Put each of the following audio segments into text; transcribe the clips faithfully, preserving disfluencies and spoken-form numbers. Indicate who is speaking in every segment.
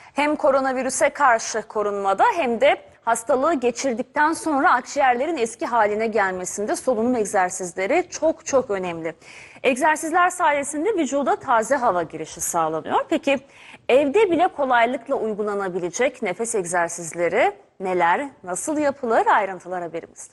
Speaker 1: Hem koronavirüse karşı korunmada hem de hastalığı geçirdikten sonra akciğerlerin eski haline gelmesinde solunum egzersizleri çok çok önemli. Egzersizler sayesinde vücuda taze hava girişi sağlanıyor. Peki evde bile kolaylıkla uygulanabilecek nefes egzersizleri neler, nasıl yapılır? Ayrıntılar haberimizde.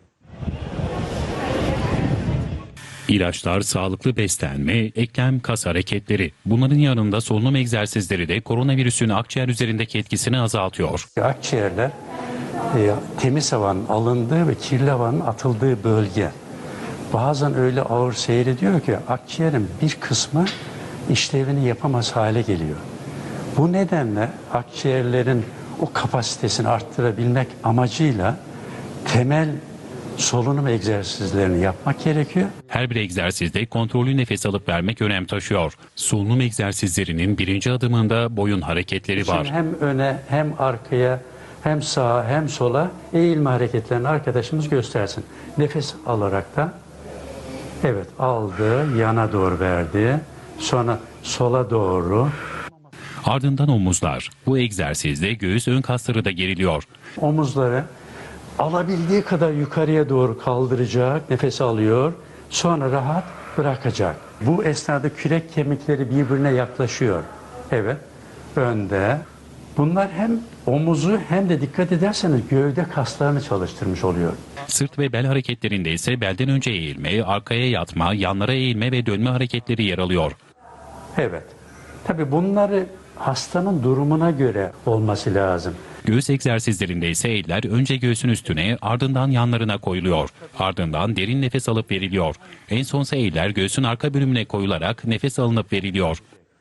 Speaker 2: İlaçlar, sağlıklı beslenme, eklem, kas hareketleri. Bunların yanında solunum egzersizleri de koronavirüsün akciğer üzerindeki etkisini azaltıyor.
Speaker 3: Akciğerler e, temiz havanın alındığı ve kirli havanın atıldığı bölge. Bazen öyle ağır seyrediyor ki akciğerin bir kısmı işlevini yapamaz hale geliyor. Bu nedenle akciğerlerin o kapasitesini arttırabilmek amacıyla temel solunum egzersizlerini yapmak gerekiyor.
Speaker 2: Her bir egzersizde kontrollü nefes alıp vermek önem taşıyor. Solunum egzersizlerinin birinci adımında boyun hareketleri var.
Speaker 3: Şimdi hem öne hem arkaya hem sağa hem sola eğilme hareketlerini arkadaşımız göstersin. Nefes alarak da evet aldı, yana doğru verdi, sonra sola doğru.
Speaker 2: Ardından omuzlar. Bu egzersizde göğüs ön kasları da geriliyor.
Speaker 3: Omuzları alabildiği kadar yukarıya doğru kaldıracak, nefes alıyor, sonra rahat bırakacak. Bu esnada kürek kemikleri birbirine yaklaşıyor. Evet, önde. Bunlar hem omuzu hem de dikkat ederseniz gövde kaslarını çalıştırmış oluyor.
Speaker 2: Sırt ve bel hareketlerinde ise belden önce eğilme, arkaya yatma, yanlara eğilme ve dönme hareketleri yer alıyor.
Speaker 3: Evet, tabii bunları hastanın durumuna göre olması lazım.
Speaker 2: Göğüs egzersizlerinde ise eller önce göğsün üstüne, ardından yanlarına koyuluyor. Ardından derin nefes alıp veriliyor. En sonsa eller göğsün arka bölümüne koyularak nefes alınıp veriliyor.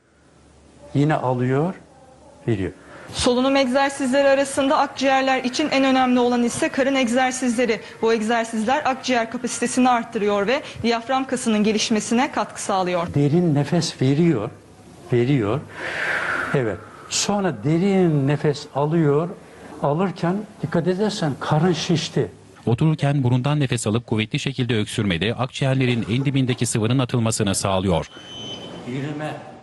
Speaker 3: Yine alıyor, veriyor.
Speaker 4: Solunum egzersizleri arasında akciğerler için en önemli olan ise karın egzersizleri. Bu egzersizler akciğer kapasitesini arttırıyor ve diyafram kasının gelişmesine katkı sağlıyor.
Speaker 3: Derin nefes veriyor, veriyor. Evet. Sonra derin nefes alıyor. Alırken dikkat edersen karın şişti.
Speaker 2: Otururken burundan nefes alıp kuvvetli şekilde öksürmede akciğerlerin en dibindeki sıvının atılmasını sağlıyor.
Speaker 3: Yürüme